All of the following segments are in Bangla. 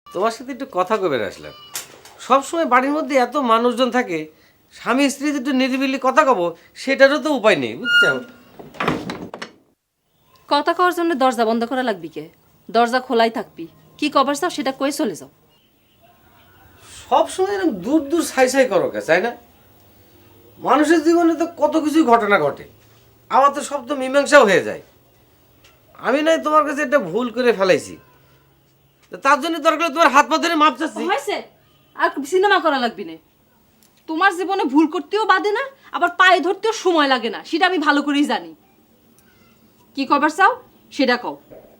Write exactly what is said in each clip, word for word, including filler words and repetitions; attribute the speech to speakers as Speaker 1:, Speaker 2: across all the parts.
Speaker 1: তোমার সাথে একটু কথা কবে আসলাম। সবসময় বাড়ির মধ্যে এত মানুষজন থাকে, স্বামী স্ত্রী একটু নিরিবিলি কথা কব সেটারও তো উপায় নেই, বুঝছো?
Speaker 2: কথা কওয়ার জন্য দরজা বন্ধ করা লাগবি কে? দরজা খোলাই থাকবি। কি কবার চাও সেটা কই চলে যাও।
Speaker 1: সবসময় এরকম দূর দূর ছাই ছাই করো কে, তাই না? মানুষের জীবনে তো কত কিছুই ঘটনা ঘটে, আবার তো সব তো মীমাংসাও হয়ে যায়। আমি নয় তোমার কাছে একটা ভুল করে ফেলাইছি, তো তার জন্য দরকার তোমার হাত পা ধরে মাপ চাচ্ছি।
Speaker 2: হয়েছে, আর সিনেমা করা লাগবি না। তোমার জীবনে ভুল করতেও বাদে না, আবার পায়ে ধরতেও সময় লাগে না, সেটা আমি ভালো করেই জানি। কি কবার চাও সেটা কও।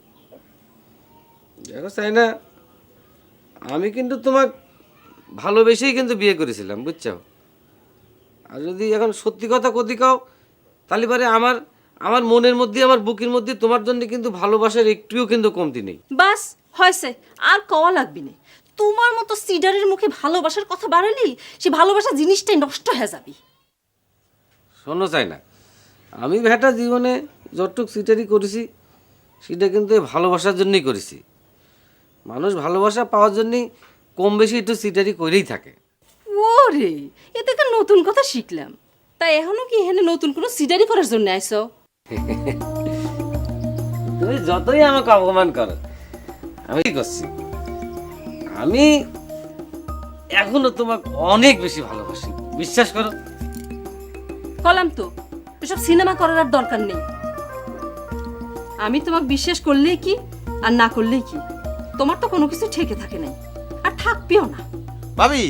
Speaker 1: দেখো চাই না, আমি কিন্তু তোমার ভালোবেসেই কিন্তু বিয়ে করেছিলাম, বুঝছো? আর যদি এখন সত্যি কথা কদি কাও, তাহলে পরে আমার আমার মনের মধ্যে আমার বুকের মধ্যে তোমার জন্য কিন্তু ভালোবাসার একটুও কিন্তু কমতি নেই।
Speaker 2: বাস হয়েছে, আর কওয়া লাগবি না। তোমার মতো সিডারের মুখে ভালোবাসার কথা বাড়ালি, সে ভালোবাসা জিনিসটাই নষ্ট হয়ে যাবি।
Speaker 1: শোনো চাই না, আমি ভেটা জীবনে যতটুক সিটারি করেছি সেটা কিন্তু এই ভালোবাসার জন্যই করেছি। মানুষ ভালোবাসা পাওয়ার জন্যই কম বেশি একটু সিটারি করেই থাকে।
Speaker 2: ওরে, এ থেকে নতুন কথা শিখলাম। তাই এখনো কি এখানে নতুন কোনো সিডারি করার জন্য আইছো?
Speaker 1: তুমি যতই আমাকে অপমান করো, আমি কি করছি, আমি এখনো তোমাকে অনেক বেশি ভালোবাসি, বিশ্বাস করো।
Speaker 2: কলাম তো, এসব সিনেমা করার আর দরকার নেই। আমি তোমাকে বিশ্বাস করলেই কি আর না করলেই কি, তোমার তো কোনো কিছু ঠেকে থাকে নাই, আর থাকবেও না।
Speaker 3: ভাবি,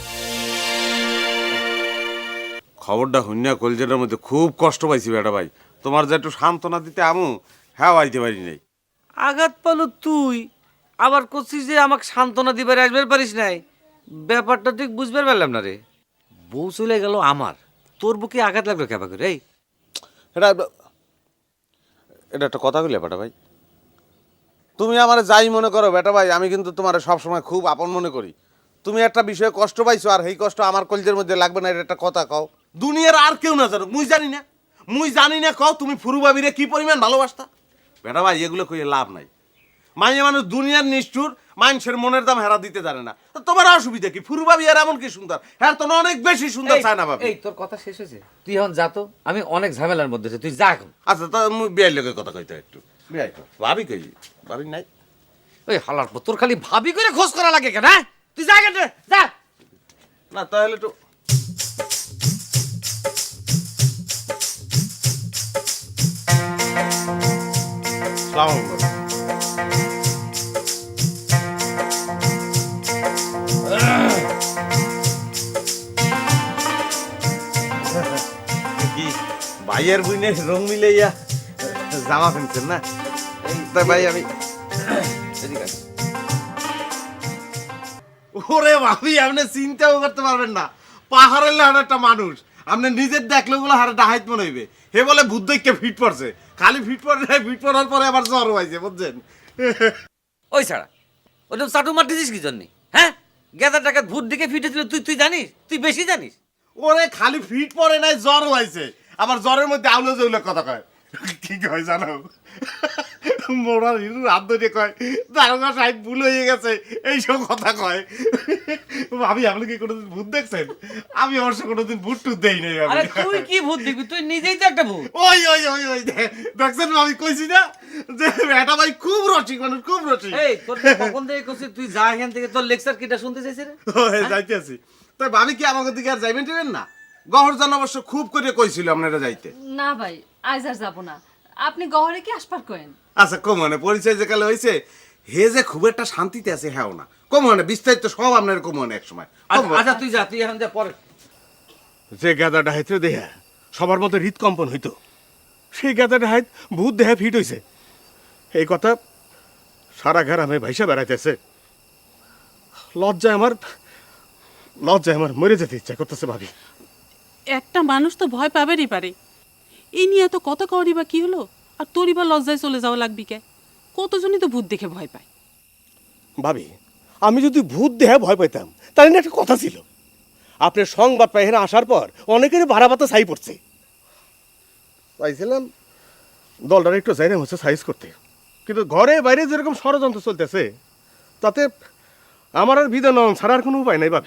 Speaker 3: খবরটা হইনা কলজেটার মধ্যে খুব কষ্ট পাইছি বেটা ভাই। তোমার যে একটু সান্ত্বনা দিতে আমু, হ্যাঁ আইতে পারি নাই।
Speaker 1: আঘাত পালো তুই, আবার করছিস যে আমাকে সান্ত্বনা দিবার আসবার পারিস নাই। ব্যাপারটা ঠিক বুঝবার পারলাম না রে। বউ চলে গেল আমার, তোর বুকে আঘাত লাগলো কেবা করে? এই
Speaker 3: এটা এটা একটা কথা কইলে বেটা ভাই, তুমি আমার যাই মনে করো বেটা ভাই, আমি কিন্তু তোমার সবসময় খুব আপন মনে করি। তুমি একটা বিষয়ে কষ্ট পাইছো, আর এই কষ্ট আমার কলজের মধ্যে লাগবে না, এটা একটা কথা কও। দুনিয়ার আর কেউ না জানো, মুই জানি না, মুই জানি না কও তুমি ফুরু ভাবিরে কি পরিমাণ ভালোবাসতা। বেটা ভাই এগুলো কইয়ে লাভ নাই। মাইয়ে মানুষ দুনিয়ার নিষ্ঠুর, মানুষের মনের দাম হেরা দিতে জানে না। তো তোমার অসুবিধা কি? ফুরু ভাবি আর এমন কি সুন্দর, হ্যাঁ তো অনেক বেশি সুন্দর চায় না ভাবি।
Speaker 1: এই তোর কথা শেষ হয়েছে, তুই এখন যা তো, আমি অনেক ঝামেলার মধ্যে আছি, তুই যা এখন।
Speaker 3: আচ্ছা তা মুই বিয়ের লোকের কথা কইতে একটু বিয়াই কর। ভাবি কই? ভাবি নাই?
Speaker 1: ওই হালার পর তোর খালি ভাবি করে খোঁজ করা লাগে কেন? হ্যাঁ তুই যা কেন, যা।
Speaker 3: না তাহলে একটু সালাম আলাইকুম। কি ভাইয়ের বুইনের রং মিলাইয়া জামা কিনছেন না? তাই ভাই আমি ওরে ভাবি, আপনি চিন্তাও করতে পারবেন না, পাহাড়ের লাহার একটা মানুষ আপনি নিজের দেখলে গুলো হারে ডাহাইত মনে হইবে। হে বলে বুদ্ধকে ফিট পড়ছে, খালি ফিট পড়ে নাই, ফিট পড়ার পরে আবার জ্বর হয়েছে, বুঝছেন?
Speaker 1: ওই ছাড়া ওটা চাটু মারতেছিস কি জন্যে? হ্যাঁ গেদার টাকা ভূত দিকে ফিটেছিল, তুই তুই জানিস, তুই বেশি জানিস।
Speaker 3: ওরে খালি ফিট পড়ে নাই, জ্বর হয়েছে, আবার জ্বরের মধ্যে আউলে জৌলে কথা কয়। কি কয় জানো? মোড়ার হিরু হাত ধরে কয় দারোগা সাহেব ভুল হয়ে গেছে, এইসব কথা কয়। ভাবি আপনি কি কোনোদিন ভূত দেখছেন? আমি অবশ্য কোনোদিন ভূত টুত দেই নাই।
Speaker 1: আরে তুই কি ভূত দেখবি, তুই নিজেই তো একটা ভূত।
Speaker 3: ওই ওই ওই ওই দেখছেন আমি কইছি না যে এটা ভাই খুব রসিক মানুষ, খুব রসিক।
Speaker 1: এই তোর কখন থেকে কইছিস তুই যা এখান থেকে, তোর লেকচার কিটা শুনতে চাইছিস রে?
Speaker 3: ওই যাইতে আছি। তাই ভাবি কি আমাকে দিকে আর যাইবেন টিবেন না? গহরজান অবশ্য খুব করে কইছিল আপনারা যাইতে।
Speaker 2: না ভাই, আজ আর যাবো না। আপনি গহরে কি আসপার করেন?
Speaker 3: আচ্ছা কমনে পরিচয় যে কালে হয়েছে, হে যে খুব একটা শান্তিতে আছে হ্যাঁ না, কমনে বিস্তারিত সব আপনার কমনে এক সময়।
Speaker 1: আচ্ছা তুই যা, তুই এখন যা পরে।
Speaker 4: যে গাদাটা হাইতে দেহা সবার মতো হৃদকম্পন হইতো, সেই গাদাটা হাইত ভূত দেহা ফিট হইছে, এই কথা সারা গ্রামে ভাইসা বেড়াইতেছে। লজ্জায় আমার লজ্জায় আমার মরে যেতে ইচ্ছা করতেছে ভাবি।
Speaker 5: একটা মানুষ তো ভয় পাবেরই পারে, এই নিয়ে এত কথা কওয়ারই বা কি হলো? আর তোরই বা লজ্জায় চলে যাওয়া লাগবি কে? কতজনই তো ভূত দেখে ভয় পায়।
Speaker 4: ভাবি আমি যদি ভূত দেহা ভয় পাইতাম তাহলে না একটা কথা ছিল, আপনার সংবাদ পাই এখানে আসার পর অনেকেরই ভাড়া পাতা ছাই পড়ছে, পাইছিলাম দলটার একটু যাইলাম হচ্ছে সাইজ করতে, কিন্তু ঘরে বাইরে যেরকম ষড়যন্ত্র চলতেছে তাতে আমার আর বিধান ছাড়ার কোনো উপায় নাই বাপ।